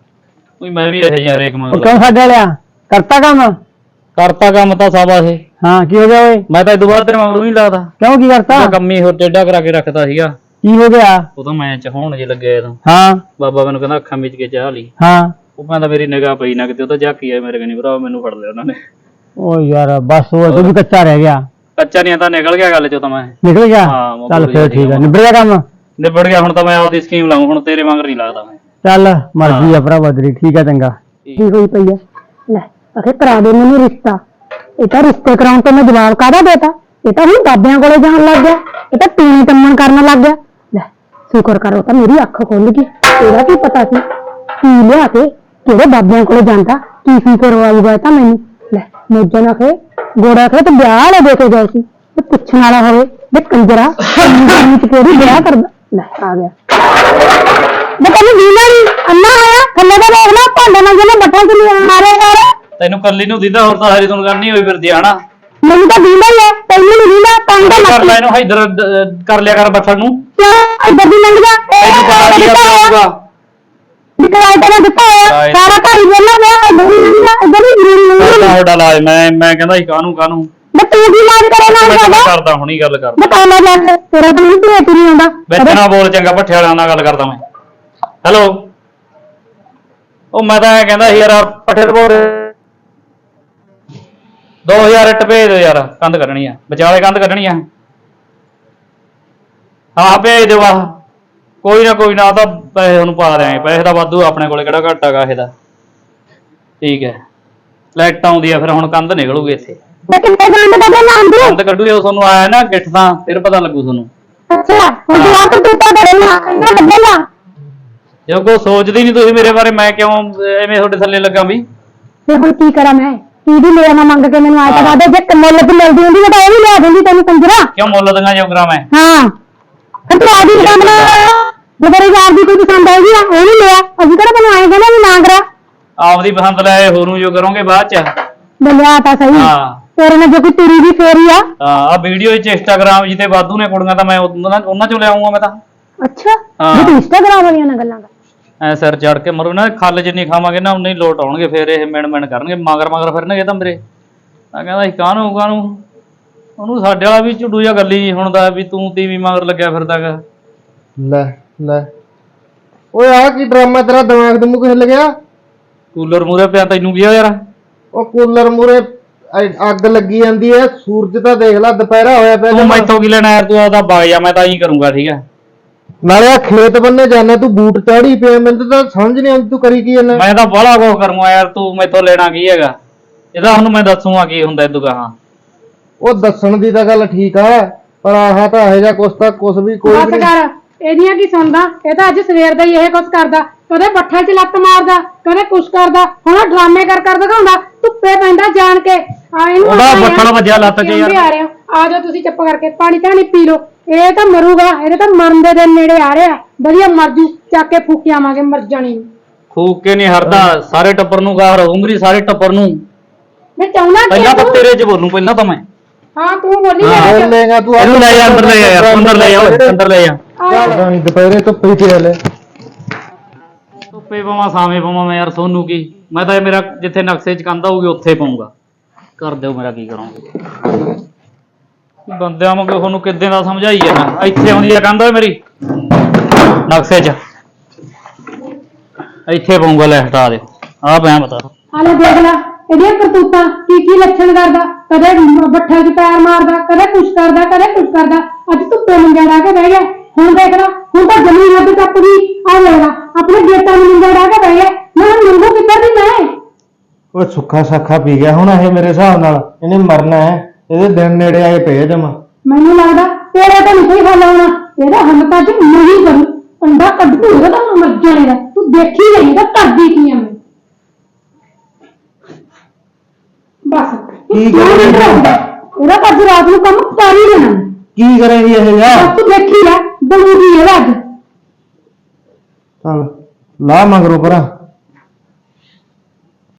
Speaker 5: ਕੋਈ ਮੈਂ ਵੀ ਇਹ ਯਾਰ ਇੱਕ ਮੰਗ
Speaker 1: ਕਿਉਂ ਛੱਡ ਲਿਆ ਕਰਤਾ ਕੰਮ
Speaker 5: ਕਰਤਾ ਕੰਮ ਤਾਂ ਸਾਬਾ ਸੀ।
Speaker 1: ਹਾਂ ਕੀ ਹੋ ਗਿਆ ਓਏ
Speaker 5: ਮੈਂ ਤਾਂ ਇਦੋਂ ਬਾਅਦ ਤੇਰੇ ਮਗਰੋਂ ਨਹੀਂ ਲੱਗਦਾ,
Speaker 1: ਕਿਉਂ ਕੀ ਕਰਤਾ
Speaker 5: ਉਹ ਕੰਮ ਹੀ ਹੋਰ ਟੇਢਾ ਕਰਾ ਕੇ ਰੱਖਦਾ ਸੀਗਾ।
Speaker 1: ਕੀ ਹੋ ਗਿਆ
Speaker 5: ਉਹ ਤਾਂ ਮੈਂ ਚਹਾਉਣ ਜੇ ਲੱਗਿਆ ਤਾਂ
Speaker 1: ਹਾਂ
Speaker 5: ਬਾਬਾ ਮੈਨੂੰ ਕਹਿੰਦਾ ਅੱਖਾਂ ਵਿੱਚ ਕੇ ਚਾਹ ਲਈ।
Speaker 1: ਹਾਂ
Speaker 5: ਉਹ ਕਹਿੰਦਾ ਮੇਰੀ ਨਿਗਾਹ ਪਈ ਨਾ ਕਿਤੇ, ਉਹ ਤਾਂ ਝਾਕੀ ਆਇਆ ਮੇਰੇ ਕਨੀ ਭਰਾ, ਮੈਨੂੰ ਫੜ ਲਿਆ ਉਹਨਾਂ ਨੇ।
Speaker 1: ਓ ਯਾਰ ਬਸ ਉਹ ਤੂੰ ਵੀ ਕੱਚਾ ਰਹਿ ਗਿਆ
Speaker 5: ਕੱਚਾ ਨਹੀਂ ਤਾਂ ਨਿਕਲ ਗਿਆ ਗੱਲ ਚੋਂ ਤਾਂ ਮੈਂ
Speaker 1: ਨਿਕਲ ਗਿਆ
Speaker 5: ਹਾਂ, ਮੈਂ
Speaker 1: ਚੱਲ
Speaker 5: ਭੁੱਲ
Speaker 1: ਫੇਰ
Speaker 5: ਗਿਆ
Speaker 1: ਠੀਕ ਹੈ ਨਿਬੜ ਗਿਆ ਕੰਮ
Speaker 5: ਨਿਬੜ ਗਿਆ। ਹੁਣ ਤਾਂ ਮੈਂ ਆਪਦੀ ਸਕੀਮ ਲਾਉਂ, ਹੁਣ ਤੇਰੇ ਮਗਰ ਨਹੀਂ ਲੱਗਦਾ ਮੈਂ।
Speaker 1: ਚੱਲ ਮਰਜ਼ੀ ਆ ਭਰਾ ਬਦਰੀ ਠੀਕ ਹੈ ਚੰਗਾ
Speaker 2: ਕੀ ਹੋਈ ਪਈ ਹੈ ਲੈ ਅਖੇ ਕਰਾ ਦੇ ਮੈਨੂੰ ਰਿਸ਼ਤਾ ਇਹ ਤਾਂ ਰਿਸ਼ਤੇ ਕਰਾਉਣ ਤੋਂ ਮੈਂ ਜਵਾਬ ਕਾਹਦਾ ਦੇਤਾ ਇਹ ਤਾਂ ਹੁਣ ਬਾਬਿਆਂ ਕੋਲੇ ਜਾਣ ਲੱਗ ਗਿਆ ਇਹ ਤਾਂ ਟੂਣੀ ਟੰਮਣ ਕਰਨ ਲੱਗ ਗਿਆ ਲੈ ਸ਼ੁਕਰ ਕਰੋ ਤਾਂ ਮੇਰੀ ਅੱਖ ਖੁੱਲ ਗਈ ਇਹਦਾ ਕੀ ਪਤਾ ਸੀ ਕੀ ਲਿਆ ਕੇ ਕਿਹੜੇ ਬਾਬਿਆਂ ਕੋਲੇ ਜਾਂਦਾ ਕੀ ਕਰਵਾਊਗਾ ਤਾਂ ਮੈਨੂੰ ਲੈ ਮੋਜਾ ਨਾ ਖੇ ਗੋੜਾ ਖੇ ਤੇ ਵਿਆਹ ਵਾਲੇ ਦੇ ਕੇ ਗਏ ਸੀ ਤੇ ਪੁੱਛਣ ਵਾਲਾ ਹੋਵੇ ਵੀ ਕੰਜਰਾ ਨੀਚ ਕਿਹੜੀ ਵਿਆਹ ਕਰਦਾ ਲੈ ਆ ਗਿਆ ਮੈਂ ਤੈਨੂੰ ਦੀਨਾ ਨਹੀਂ ਅੰਨਾ ਆਇਆ ਥੱਲੇ ਦਾ ਦੇਖ ਲੈ ਭਾਂਡੇ ਨਾਲ ਜਿਹਨੇ ਬੱਟਾ ਚ ਮਾਰੇ ਯਾਰ
Speaker 5: ਤੈਨੂੰ ਕੱਲੀ ਨੂੰ ਦੀਦਾ, ਹੋਰ ਤਾਂ ਸਾਰੀ ਤੁਹਾਨੂੰ ਕਰਨੀ ਹੋਈ ਫਿਰਦੀ ਆ ਹਨਾ।
Speaker 2: ਮੈਨੂੰ ਤਾਂ ਦੀਨਾ ਹੀ ਹੈ ਤੈਨੂੰ ਨਹੀਂ ਦੀਨਾ ਤੰਗ ਦਾ
Speaker 5: ਕਰ ਲੈ
Speaker 2: ਮੱਤ
Speaker 5: ਇਹਨੂੰ ਇਧਰ ਕਰ ਲਿਆ ਕਰ ਬੱਠਲ ਨੂੰ।
Speaker 2: ਇੱਧਰ ਦੀ ਲੰਘ ਜਾ
Speaker 5: ਤੈਨੂੰ ਪਤਾ ਕੀ ਹੋਊਗਾ।
Speaker 2: ਨਿਕਲ ਤੇ ਦਿੱਤਾ ਹੋਇਆ ਸਾਰਾ ਘਰ ਹੀ ਵੇਲਾ ਪਿਆ ਇੱਧਰ ਹੀ ਜ਼ਰੂਰੀ ਨਹੀਂ
Speaker 5: ਤੁਹਾਡਾ ਲਾਜ ਮੈਂ ਕਹਿੰਦਾ ਸੀ ਕਾਹਨੂੰ
Speaker 2: ਮੈਂ ਤੂੰ ਕੀ ਲਾਜ ਕਰੇ ਨਾਲ
Speaker 5: ਮੈਂ
Speaker 2: ਸਾਡਾ
Speaker 5: ਕਰਦਾ ਹੁਣੀ ਗੱਲ ਕਰ।
Speaker 2: ਬਤਾ ਲੈ ਲੈ ਤੇਰਾ ਤਾਂ ਨਹੀਂ ਭੇਤ ਨਹੀਂ ਆਉਂਦਾ
Speaker 5: ਵਿੱਚ ਨਾ ਬੋਲ ਚੰਗਾ, ਭੱਠੇ ਵਾਲਿਆਂ ਨਾਲ ਗੱਲ ਕਰਦਾ ਮੈਂ। ਹੈਲੋ ਉਹ ਮੈਂ ਤਾਂ ਇਹ ਕਹਿੰਦਾ ਸੀ ਯਾਰ ਪੱਠੇ ਤੋਂ 2000 ਇੱਟ ਭੇਜ ਦਿਓ ਯਾਰ, ਕੰਧ ਕੱਢਣੀ ਆ, ਵਿਚਾਲੇ ਕੰਧ ਕੱਢਣੀ ਆ। ਹਾਂ ਭੇਜ ਦਿਓ ਆਹ, ਕੋਈ ਨਾ ਤਾਂ ਪੈਸੇ ਉਹਨੂੰ ਪਾ ਦਿਆਂਗੇ, ਪੈਸੇ ਦਾ ਵਾਧੂ ਆਪਣੇ ਕੋਲੇ, ਕਿਹੜਾ ਘੱਟ ਹੈਗਾ ਇਹਦਾ। ਠੀਕ ਹੈ ਲਾਈਟ ਆਉਂਦੀ ਆ ਫਿਰ ਹੁਣ ਕੰਧ ਨਿਕਲੂਗੀ ਇੱਥੇ,
Speaker 2: ਤੇ ਕਿੰਨੇ ਗੰਦ ਕੱਢੇ ਨਾਮ ਦੇ
Speaker 5: ਕੰਧ ਕੱਢੂ ਜਦੋਂ ਤੁਹਾਨੂੰ ਆਇਆ ਨਾ ਗਿੱਠ ਤਾਂ ਫਿਰ ਪਤਾ ਲੱਗੂ ਤੁਹਾਨੂੰ।
Speaker 2: ਅੱਛਾ ਹੁਣ ਤੂੰ ਆਪ ਤੂੰ ਤਾਂ ਕਰੇ ਨਾ ਇੰਨਾ ਬੱਦਲਾ
Speaker 5: ਜੇ ਕੋਈ ਸੋਚਦੀ ਨਹੀਂ ਤੁਸੀਂ ਮੇਰੇ ਬਾਰੇ, ਮੈਂ ਕਿਉਂ ਐਵੇਂ ਤੁਹਾਡੇ ਥੱਲੇ ਲੱਗਾ ਵੀ।
Speaker 2: ਤੇ ਹੁਣ ਕੀ ਕਰਾਂ ਮੈਂ ਕੀ ਵੀ ਮੇਰਾ ਨਾ ਮੰਗ ਕੇ ਮੈਨੂੰ ਆਇਆ ਤਾਂ ਬਾਦੇ ਜੇ ਮੁੱਲ ਤੇ ਮਿਲਦੀ ਹੁੰਦੀ ਤਾਂ ਉਹ ਵੀ ਲਿਆ ਦਿੰਦੀ ਤੈਨੂੰ ਕੰਜਰਾ
Speaker 5: ਕਿਉਂ ਮੁੱਲ ਦੀਆਂ ਜੋਗਰਾ ਮੈਂ।
Speaker 2: ਹਾਂ ਫਿਰ ਤੂੰ ਆਦੀ ਕੰਮ ਨਾ ਮੇਰੇ ਯਾਰ ਦੀ ਕੋਈ ਪਸੰਦ ਆਏਗੀ ਉਹ ਨਹੀਂ ਲਿਆ ਅਸੀਂ ਕਿਹੜਾ ਤੈਨੂੰ ਆਏ ਕਹਿੰਦਾ ਵੀ ਨਾ ਕਰਾ
Speaker 5: ਆਪਦੀ ਪਸੰਦ ਲੈ ਹੋਰ ਨੂੰ ਜੋ ਕਰੋਗੇ ਬਾਅਦ ਚ।
Speaker 2: ਲਿਆ ਤਾਂ ਸਹੀ
Speaker 5: ਹਾਂ
Speaker 2: ਤੇਰੇ ਨਾਲ ਜੇ ਕੋਈ ਤੁਰੀ ਵੀ ਫੇਰੀ ਆ।
Speaker 5: ਆ ਵੀਡੀਓ ਚ ਇੰਸਟਾਗ੍ਰਾਮ ਜਿੱਤੇ ਵਾਧੂ ਨੇ ਕੁੜੀਆਂ ਤਾਂ ਮੈਂ ਉਹਨਾਂ ਚੋਂ ਲਿਆਉਂਗਾ ਮੈਂ ਤਾਂ।
Speaker 2: ਅੱਛਾ
Speaker 5: ਹਾਂ।
Speaker 2: ਜੇ ਤੂੰ ਇੰਸਟਾਗ੍ਰਾਮ ਵਾਲੀਆਂ ਨਾਲ ਗੱਲਾਂ ਕਰ।
Speaker 5: ਐ ਸਿਰ ਚੜ ਕੇ ਮਰੂ ਨਾ, ਖੱਲ ਜਿੰਨੀ ਖਾਵਾਂਗੇ ਨਾ ਉਨੇ ਹੀ ਲੋਟ ਆਉਣਗੇ, ਫਿਰ ਇਹ ਮਿਣ ਕਰਨਗੇ, ਮਗਰ ਫਿਰਨਗੇ ਤਾਂ ਮੇਰੇ। ਮੈਂ ਕਹਿੰਦਾ ਸੀ ਕਾਹਨੂੰ ਉਹਨੂੰ ਸਾਡੇ ਵਾਲਾ ਵੀ ਝੁੱਡੂ ਜਿਹਾ ਗੱਲੀ ਹੁੰਦਾ ਵੀ ਤੂੰ ਟੀਵੀ ਮਗਰ ਲੱਗਿਆ ਫਿਰਦਾਗਾ।
Speaker 4: ਲੈ ਓਏ ਆ ਕੀ ਡਰਾਮਾ ਤੇਰਾ, ਦਿਮਾਗ ਤੇ ਮੂੰਹ ਹਿੱਲ ਗਿਆ?
Speaker 5: ਕੂਲਰ ਮੂਰੇ ਪਿਆ ਤੈਨੂੰ ਕੀ ਆ ਯਾਰ?
Speaker 4: ਉਹ ਕੂਲਰ ਮੂਰੇ ਅੱਗ ਲੱਗੀ ਜਾਂਦੀ ਐ, ਸੂਰਜ ਤਾਂ ਦੇਖ ਲੈ ਦੁਪਹਿਰਾ ਹੋਇਆ ਪਿਆ।
Speaker 5: ਤੂੰ ਮੈਥੋਂ ਕੀ ਲੈਣਾ ਯਾਰ, ਤੂੰ ਆਦਾ ਵਗ ਜਾ, ਮੈਂ ਤਾਂ ਇਹੀ ਕਰੂੰਗਾ ਠੀਕ ਹੈ।
Speaker 4: ਨਾਲੇ ਆ ਖੇਤ ਬੰਨੇ ਜਾਣਾ, ਤੂੰ ਬੂਟ ਚਾੜੀ ਪਿਆ, ਮੈਨੂੰ ਤਾਂ ਸਮਝ ਨਹੀਂ ਆਉਂਦੀ ਤੂੰ ਕਰੀ ਕੀ ਜਾਂਦਾ।
Speaker 5: ਮੈਂ ਤਾਂ ਬਾਹਲਾ ਕੁਛ ਕਰੂੰਗਾ ਯਾਰ, ਤੂੰ ਮੈਥੋਂ ਲੈਣਾ ਕੀ ਹੈਗਾ? ਇਹਦਾ ਹੁਣ ਮੈਂ ਦੱਸੂਗਾ ਕੀ ਹੁੰਦਾ ਇਦੋਂ ਗਾਹਾਂ।
Speaker 4: ਉਹ ਦੱਸਣ ਦੀ ਤਾਂ ਗੱਲ ਠੀਕ ਆ, ਪਰ ਆਹ ਤਾਂ ਇਹੋ ਜਿਹਾ ਕੁਛ ਵੀ ਕੋਈ
Speaker 2: ਬਸ ਕਰ, ਇਹਦੀਆਂ ਕੀ ਸੁਣਦਾ? ਇਹ ਤਾਂ ਅੱਜ ਸਵੇਰ ਦਾ ਹੀ ਇਹ ਕੁਛ ਕਰਦਾ, ਕਦੇ ਬੱਠਲ 'ਚ ਲੱਤ ਮਾਰਦਾ, ਕਦੇ ਕੁਛ ਕਰਦਾ, ਹੁਣ ਆਹ ਡਰਾਮੇ ਕਰ ਦਿਖਾਉਂਦਾ, ਧੁੱਪੇ ਪੈਂਦਾ ਜਾਣ ਕੇ। ਆ ਇਹਨੂੰ
Speaker 5: ਉਹਦਾ
Speaker 2: ਆਏਂ ਆ,
Speaker 5: ਬੱਠਲ ਵੱਜਿਆ ਲੱਤ 'ਚ ਯਾਰ।
Speaker 2: ਆ ਰਹੇ ਹੋ, ਆ ਜਾਓ ਤੁਸੀਂ ਚੁੱਪ ਕਰਕੇ ਪਾਣੀ ਧਾਣੀ ਪੀ ਲਓ। ਇਹ ਤਾਂ ਮਰੂਗਾ, ਇਹਦੇ ਤਾਂ ਮਰਨ ਦੇ ਦਿਨ ਨੇੜੇ ਆ ਰਿਹਾ। ਵਧੀਆ ਮਰ ਜੂ, ਚੱਕ ਕੇ ਫੂਕੇ ਆਵਾਂਗੇ ਮਰ ਜਾਣੀ ਨੂੰ।
Speaker 5: ਫੂਕ ਕੇ ਨਹੀਂ ਹਰਦਾ, ਸਾਰੇ ਟੱਬਰ ਨੂੰ ਗਾਹ ਰਹੂੰਗੀ, ਸਾਰੇ ਟੱਬਰ ਨੂੰ।
Speaker 2: ਮੈਂ ਚਾਹੁੰਦਾ
Speaker 5: ਪਹਿਲਾਂ ਤਾਂ ਤੇਰੇ 'ਚ ਬੋਲੂੰ, ਪਹਿਲਾਂ ਤਾਂ ਮੈਂ।
Speaker 2: ਹਾਂ ਤੂੰ ਬੋਲੀ
Speaker 4: ਬੋਲੇਗਾ ਤੂੰ।
Speaker 5: ਇਹਨੂੰ ਲੈ ਜਾ ਅੰਦਰ, ਲੈ ਜਾ ਯਾਰ, ਅੰਦਰ ਲੈ ਜਾ ਓਏ, ਅੰਦਰ ਲੈ ਜਾ।
Speaker 4: ਪਤਾ ਨਹੀਂ ਦੁਪਹਿਰੇ ਧੁੱਪੇ ਤੇ ਹਲੇ
Speaker 5: ਧੁੱਪੇ ਪਾਵਾਂ ਸਾਵੇਂ ਪਾਵਾਂ ਮੈਂ ਯਾਰ, ਸੋਨੂੰ ਕੀ? ਮੈਂ ਤਾਂ ਇਹ ਮੇਰਾ ਜਿੱਥੇ ਨਕਸ਼ੇ 'ਚ ਕੰਧ ਹੋਊਗੀ ਉੱਥੇ ਪਾਉਂਗਾ। ਕਰ ਦਿਓ ਮੇਰਾ ਕੀ ਕਰੋਗੇ? ਬੰਦਿਆਂ ਵਾਂਗੂ ਤੁਹਾਨੂੰ ਕਿੱਦਾਂ ਦਾ ਸਮਝਾਈ ਜਾਣਾ? ਇੱਥੇ ਆਉਂਦੀ ਆ ਕੰਧ ਓਏ ਮੇਰੀ ਨਕਸ਼ੇ 'ਚ, ਇੱਥੇ ਪਾਉਂਗਾ। ਲੈ ਹਟਾ ਦਿਓ ਆਹ ਪਿਆ ਬਤਾ।
Speaker 2: ਹਾਲੇ ਦੇਖ ਲੈ ਇਹਦੀਆਂ ਕਰਤੂਤਾਂ, ਕੀ ਲੱਛਣ ਕਰਦਾ। ਕਦੇ ਬੱਠਲ 'ਚ ਪੈਰ ਮਾਰਦਾ, ਕਦੇ ਕੁਛ ਕਰਦਾ। ਅੱਜ ਧੁੱਪੇ ਮੰਜਾ ਡਾ ਕੇ ਬਹਿ ਗਿਆ। ਹੁਣ ਦੇਖ ਲੈ, ਹੁਣ ਤਾਂ ਜ਼ਮੀਨ ਹੱਦ ਟੱਪ ਗਈ। ਆ ਲੈਣਾ ਆਪਣੇ ਗੇਟਾਂ ਨੂੰ ਮੰਜਾ ਡਾ ਕੇ ਬਹਿ ਗਿਆ। ਮੈਂ ਮੰਗੂ ਕਿੱਧਰ ਦੀ ਮੈਂ?
Speaker 4: ਉਹ ਸੁੱਖਾ ਸਾਖਾ ਪੀ ਗਿਆ ਹੁਣ ਇਹ, ਮੇਰੇ ਹਿਸਾਬ ਨਾਲ ਇਹਨੇ ਮਰਨਾ ਹੈ। ਇਹਦੇ ਦਿਨ ਨੇੜੇ ਆਏ ਪਏ ਜਮਾ।
Speaker 2: ਮੈਨੂੰ ਲੱਗਦਾ ਤੇਰਾ ਤਾਂ ਨਹੀਂ ਕੋਈ ਹੱਲ ਆਉਣਾ। ਇਹਦਾ ਹੱਲ ਤਾਂ ਅੱਜ ਨਹੀਂ ਕਰੂ, ਅੰਡਾ ਕੱਢ ਦੂ ਇਹਦਾ ਤਾਂ ਮਰ ਜਾਣੇ ਦਾ। ਤੂੰ ਦੇਖੀ ਜਾਈਂ ਤਾਂ ਕਰਦੀ ਕੀ ਆ ਮੈਂ। ਬਸ
Speaker 4: ਕੀ ਕਰੇ
Speaker 2: ਇਹਦਾ ਤਾਂ ਅੱਜ ਰਾਤ ਨੂੰ ਕੰਮ ਕਰ ਹੀ ਲੈਣਾ।
Speaker 4: ਕੀ ਕਰੇਗੀ ਇਹ ਯਾਰ?
Speaker 2: ਬਸ ਤੂੰ ਦੇਖੀ ਲੈ, ਬਣੂਗੀ ਇਹਦਾ ਅੱਜ।
Speaker 4: ਚੱਲ ਲਾ ਮਗਰੋਂ ਪਰਾਂ।